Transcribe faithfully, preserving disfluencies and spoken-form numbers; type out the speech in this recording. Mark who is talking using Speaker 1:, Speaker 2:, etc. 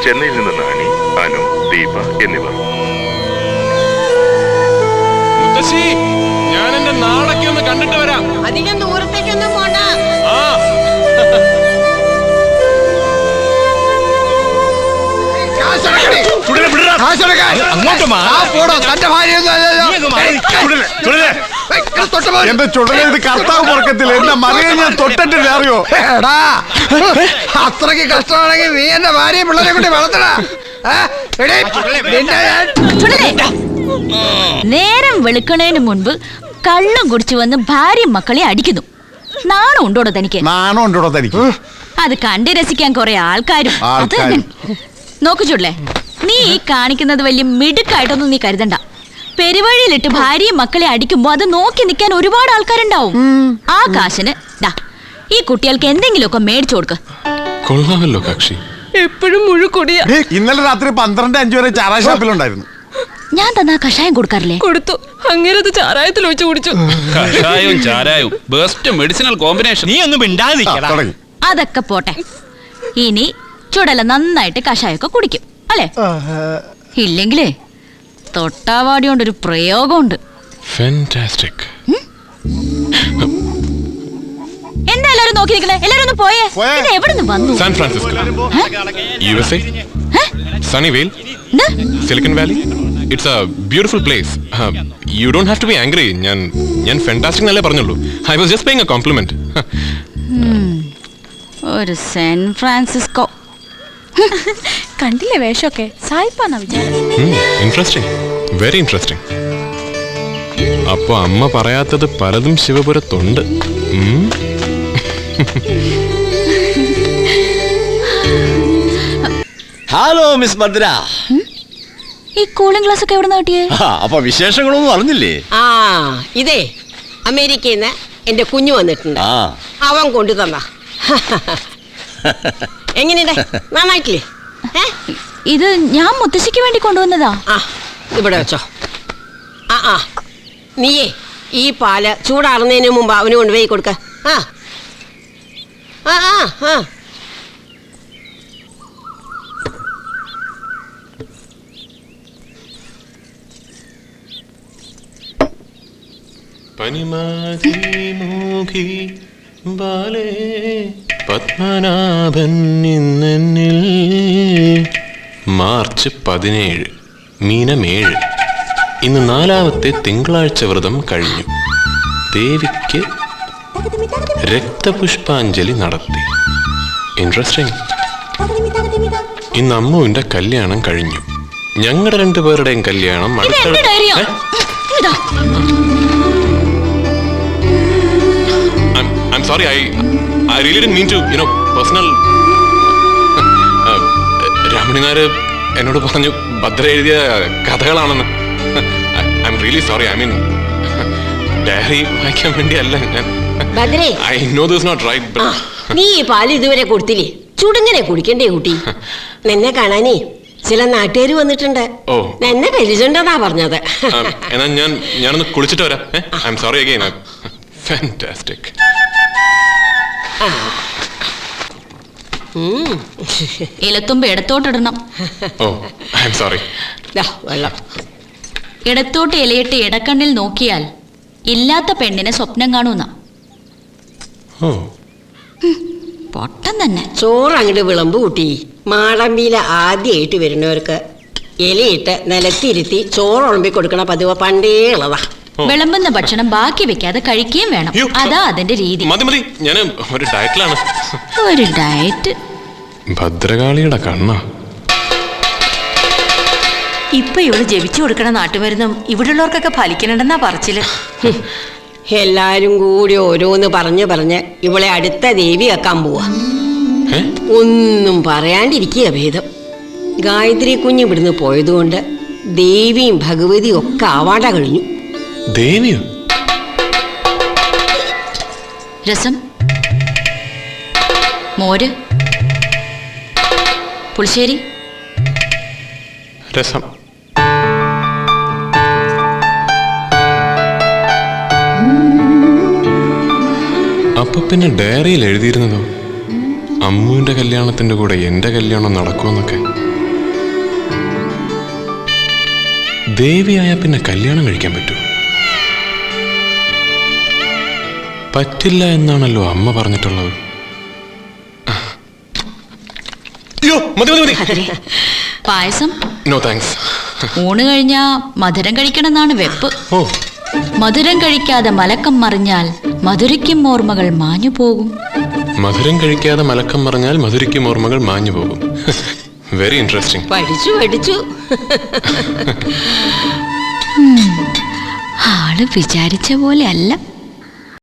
Speaker 1: ചെന്നൈയിൽ നിന്ന് നാണി, അനു, ദീപ എന്നിവർ.
Speaker 2: ഞാൻ എന്റെ നാടൊക്കെ ഒന്ന് കണ്ടിട്ട് വരാം.
Speaker 3: അധികം ദൂരത്തേക്കൊന്നും പോണ്ട.
Speaker 2: ആ
Speaker 4: എന്റെ ചുടല കർത്താവ് പുറക്കത്തില്ല. എന്റെ മകനെ ഞാൻ തൊട്ടിട്ടില്ല, അറിയോ?
Speaker 5: എടാ, അത്രയ്ക്ക് കഷ്ടമാണെങ്കിൽ നീ എന്റെ ഭാര്യയും പിള്ളേരെ കൂടി വളർത്തടാ.
Speaker 6: നേരം വെളുക്കണേന് മുൻപ് കള്ളം കുടിച്ചു വന്ന് ഭാര്യയും മക്കളെ അടിക്കുന്നു. നാണം ഉണ്ടോടോ തനിക്ക്?
Speaker 4: നാണം ഉണ്ടോടോ തനിക്ക്?
Speaker 6: അത് കണ്ട് രസിക്കാൻ കുറെ ആൾക്കാരും. നോക്കു ചുടലേ, നീ ഈ കാണിക്കുന്നത് വലിയ മിടുക്കായിട്ടൊന്നും നീ കരുതണ്ട. പെരുവഴിയിലിട്ട് ഭാര്യയും മക്കളെ അടിക്കുമ്പോ അത് നോക്കി നിൽക്കാൻ ഒരുപാട് ആൾക്കാരുണ്ടാവും. ആ കാശിന് ദാ ഈ കുട്ടികൾക്ക് എന്തെങ്കിലുമൊക്കെ മേടിച്ചു കൊടുക്ക.
Speaker 2: കൊള്ളാമല്ലോ കക്ഷി.
Speaker 6: എപ്പോഴും മുഴുക്കൊടിയ.
Speaker 4: ഇന്നലെ രാത്രി പന്ത്രണ്ട് അഞ്ചു വരെ ചാറാ ഷാപ്പിലുണ്ടായിരുന്നു.
Speaker 6: ഞാൻ തന്നാ കഷായം കൊടുക്കാറില്ലേ?
Speaker 7: കൊടുത്തു. അങ്ങനെ ചാരായത്തിൽ ഒഴിച്ചു കുടിച്ചു.
Speaker 8: കഷായവും ചാരായവും ബെസ്റ്റ് മെഡിസിനൽ കോമ്പിനേഷൻ. നീ ഒന്നും മിണ്ടാതിരിക്കടാ.
Speaker 6: അതൊക്കെ പോട്ടെ, ഇനി ചുടല നന്നായിട്ട് കഷായമൊക്കെ കുടിക്കും അല്ലേ? ഇല്ലെങ്കിലേ തൊട്ടാവാടി കൊണ്ടൊരു പ്രയോഗമുണ്ട്. എന്താ എല്ലാരും നോക്കി നിൽക്കണേ? എല്ലാരും ഒന്ന് പോയേ. ഇത് എവിടെ നിന്ന് വന്നു?
Speaker 2: San Francisco, U S A, Sunnyvale, Silicon Valley. It's a beautiful place. You don't have to be angry. ഞാൻ ഞാൻ ഫാന്റാസ്റ്റിക് എന്നല്ലേ പറഞ്ഞുള്ളൂ. I was just paying a compliment.
Speaker 6: ഒരു സാൻ ഫ്രാൻസിസ്കോ
Speaker 7: കണ്ടില്ലേ വേഷമൊക്കെ? സായിപ്പാന്നാ വിചാരം.
Speaker 2: Interesting, very interesting. അപ്പൊ അമ്മ പറയാത്തത് പലതും ശിവപുരത്തുണ്ട്.
Speaker 9: Hello miss Bhadra.
Speaker 6: ഈ കൂളിംഗ് ഗ്ലാസ് ഒക്കെ എവിടെ നിന്ന് കിട്ടിയേ?
Speaker 9: അപ്പൊ വിശേഷങ്ങളൊന്നും അറിഞ്ഞില്ലേ?
Speaker 3: ആ ഇതേ അമേരിക്കയിൽ നിന്ന് എന്റെ കുഞ്ഞു വന്നിട്ടുണ്ട്. അവൻ കൊണ്ടു തന്ന. എങ്ങനെയുണ്ട്? നന്നായിട്ടില്ലേ?
Speaker 6: ഇത് ഞാൻ മുത്തശ്ശിക്ക് വേണ്ടി കൊണ്ടുവന്നതാ.
Speaker 3: ആ ഇവിടെ വെച്ചോ. ആ ആ നീയേ ഈ പാല് ചൂടാറുന്നതിന് മുമ്പ് അവന് കൊണ്ടുപോയി കൊടുക്ക. ആ ആ ആ
Speaker 2: പത്മനാഭൻ ഇന്നെന്നിൽ. മാർച്ച് പതിനേഴ്, മീനമേഴ്. ഇന്ന് നാലാമത്തെ തിങ്കളാഴ്ച വ്രതം കഴിഞ്ഞു. ദേവിക്ക് രക്തപുഷ്പാഞ്ജലി നടത്തി. ഇൻട്രസ്റ്റിംഗ്. ഇന്ന് അമ്മുവിന്റെ കല്യാണം കഴിഞ്ഞു. ഞങ്ങളുടെ രണ്ടുപേരുടെയും കല്യാണം I'm sorry, I I really didn't mean to, you know, personal. രാമണിനാര് എന്നോട് പറഞ്ഞു ഭദ്ര എഴുതിയ കഥകളാണെന്ന്. I'm really sorry. I mean diary വായിക്കാൻ വേണ്ടിയല്ല ഞാൻ. I know this not right.
Speaker 3: നീ ഈ പാല് ഇതുവരെ കൊടുത്തില്ലേ? ചുടുങ്ങനെ കുടിക്കണ്ടേ കുട്ടി? നിന്നെ കാണാനേ ചില നാട്ടുകാർ വന്നിട്ടുണ്ട്.
Speaker 2: ഓ,
Speaker 3: എന്നെ പരിചയണ്ടെന്നാ പറഞ്ഞത്.
Speaker 2: എന്നാ ഞാൻ ഞാനൊന്ന് കുളിച്ചിട്ട് വരാം. I'm sorry again. Fantastic.
Speaker 6: ഇലത്തുമ്പ് ഇടത്തോട്ടിടണം.
Speaker 2: Oh, I'm sorry.
Speaker 3: വെള്ളം
Speaker 6: ഇടത്തോട്ട് ഇലയിട്ട് ഇടക്കണ്ണിൽ നോക്കിയാൽ ഇല്ലാത്ത പെണ്ണിനെ സ്വപ്നം കാണുന്ന പൊട്ടം തന്നെ.
Speaker 3: ചോറ് അങ്ങോട്ട് വിളമ്പ് കൂട്ടി. മാടമ്പിയിലെ ആദ്യമായിട്ട് വരുന്നവർക്ക് ഇലയിട്ട് നിലത്തിരുത്തി ചോറ് ഉളമ്പി കൊടുക്കണ പതിവ് പണ്ടേ ഉള്ളതാ.
Speaker 6: വിളമ്പുന്ന ഭക്ഷണം ബാക്കി വെക്കാതെ കഴിക്കുകയും വേണം. അതാ അതിന്റെ രീതി.
Speaker 2: മതി മതി, ഞാൻ ഒരു ഡയറ്റിലാണ്.
Speaker 6: ഒരു ഡയറ്റ്.
Speaker 2: ഭദ്രകാളിയുടെ കണ്ണ.
Speaker 7: ഇപ്പൊ ഇവള് ജപിച്ചു കൊടുക്കണ നാട്ടുമരുന്നും ഇവിടെയുള്ളവർക്കൊക്കെ ഫലിക്കണമെന്നാ പറച്ചില്.
Speaker 3: എല്ലാരും കൂടി ഓരോന്ന് പറഞ്ഞു പറഞ്ഞ് ഇവളെ അടുത്ത ദേവി വെക്കാൻ പോവാ. ഒന്നും പറയാണ്ടിരിക്കുക ഭേദം. ഗായത്രി കുഞ്ഞ് ഇവിടുന്ന് പോയതുകൊണ്ട് ദേവിയും ഭഗവതിയും ഒക്കെ ആവാണ്ട കഴിഞ്ഞു.
Speaker 2: ദേവിയോ?
Speaker 6: രസം, മോര്, പുളിശ്ശേരി.
Speaker 2: രസം. അപ്പൊ പിന്നെ ഡയറിയിൽ എഴുതിയിരുന്നതോ അമ്മുവിന്റെ കല്യാണത്തിന്റെ കൂടെ എന്റെ കല്യാണം നടക്കുമെന്നൊക്കെ? ദേവിയായ പിന്നെ കല്യാണം കഴിക്കാൻ പറ്റൂ? പറ്റില്ല എന്നാണല്ലോ അമ്മ പറഞ്ഞിട്ടുള്ളത്. അയ്യോ, മതി മതി മതി.
Speaker 6: പായസം
Speaker 2: നോ താങ്ക്സ്.
Speaker 6: ഊണ് കഴിഞ്ഞാ മധുരം കഴിക്കണമെന്നാണ് വെപ്പ്.
Speaker 2: ഓ,
Speaker 6: മധുരം കഴിക്കാതെ മലക്കം മറിഞ്ഞാൽ മധുരയ്ക്കും ഓർമ്മകൾ മാഞ്ഞു പോകും.
Speaker 2: മധുരം കഴിക്കാതെ മലക്കം പറഞ്ഞാൽ മധുരയ്ക്കും ഓർമ്മകൾ മാഞ്ഞു പോകും. Very interesting.
Speaker 3: പഠിച്ചു പഠിച്ചു.
Speaker 6: ആള് വിചാരിച്ച പോലെ അല്ല.